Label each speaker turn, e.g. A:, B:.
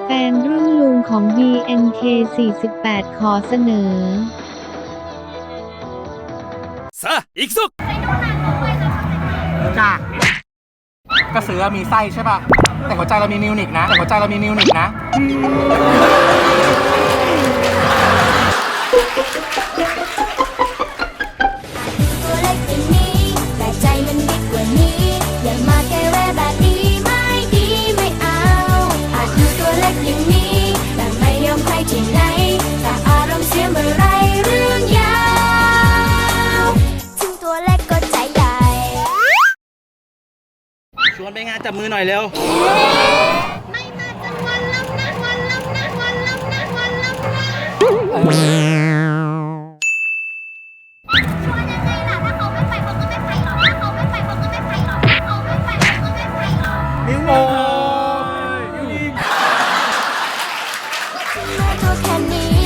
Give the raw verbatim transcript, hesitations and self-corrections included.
A: แฟนรุ่นลุงของ บี เอ็น เค สี่สิบแปด ขอเสนอ
B: さあ行くぞ
C: จ้ากระสือมีไส้ใช่ป่ะแต่หัวใจเรามีมิวนิกนะแต่หัวใจเรามีมิวนิกนะ
D: ตัวเล็กอย่างนี้แต่ใจมันบิ๊กกว่านี้อย่ามาแก้แวะแบบนี้ไม่ดีไม่เอาอาจดูตัวเล็กอย่างนี้แต่ไม่ยอมใครที่ไหนแต่อารมณ์เสียเมื่อไรเรื่องยาวถึงตัวเล็กก็ใจใหญ่
B: ชวนไปงานจับมือหน่อยเร็ว
D: ไม่มาจังวันลำนะวันลำนะวันลำนะวันลำนะชวนยังไงล่ะถ้าเขาไม่ไปเขาก็ไม่ไปหรอกถ้าเขาไม่ไปเขาก็ไม่ไปหรอกถ้าเขาไม่ไปเขาก็ไม่ไปหรอก
C: มิวโอ
D: ตัวแค่นี้